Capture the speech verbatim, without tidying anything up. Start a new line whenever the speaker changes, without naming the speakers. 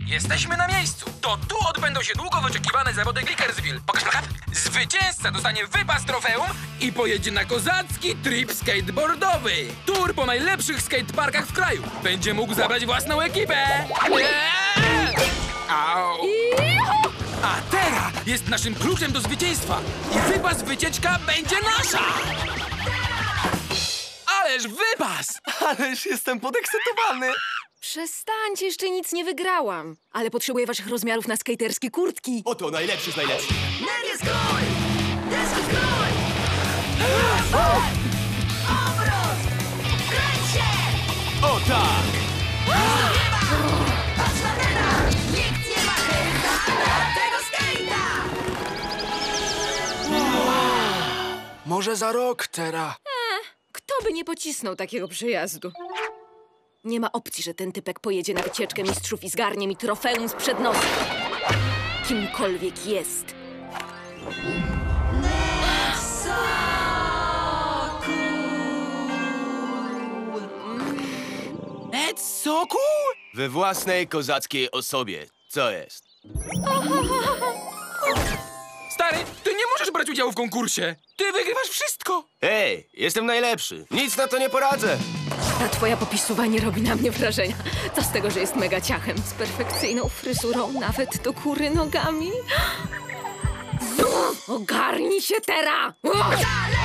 Jesteśmy na miejscu. To tu odbędą się długo wyczekiwane zawody Glickersville. Pokaż plakat. Zwycięzca dostanie wypas trofeum i pojedzie na kozacki trip skateboardowy. Tour po najlepszych skateparkach w kraju. Będzie mógł zabrać własną ekipę. Eee! Au. A teraz jest naszym kluczem do zwycięstwa. I wypas wycieczka będzie nasza. Ależ wypas!
Ależ jestem podekscytowany!
Przestańcie, jeszcze nic nie wygrałam. Ale potrzebuję waszych rozmiarów na skaterskie kurtki.
Oto najlepszy z najlepszych.
Ned jest gol! Jest gol! Obrót! Kręć się!
O tak!
Patrz na Neda! Nikt nie ma hejta na tego skejta!
Może za rok, Tera.
Kto by nie pocisnął takiego przejazdu? Nie ma opcji, że ten typek pojedzie na wycieczkę mistrzów i zgarnie mi trofeum sprzed nosa. Kimkolwiek jest.
Ed Soku?
We własnej kozackiej osobie. Co jest?
Stary, ty nie możesz brać udziału w konkursie. Ty wygrywasz wszystko.
Hej, jestem najlepszy. Nic na to nie poradzę.
Ta twoja popisuwa nie robi na mnie wrażenia. Co z tego, że jest mega ciachem z perfekcyjną fryzurą, nawet do góry nogami? Ogarnij się, Tera!
Dalej!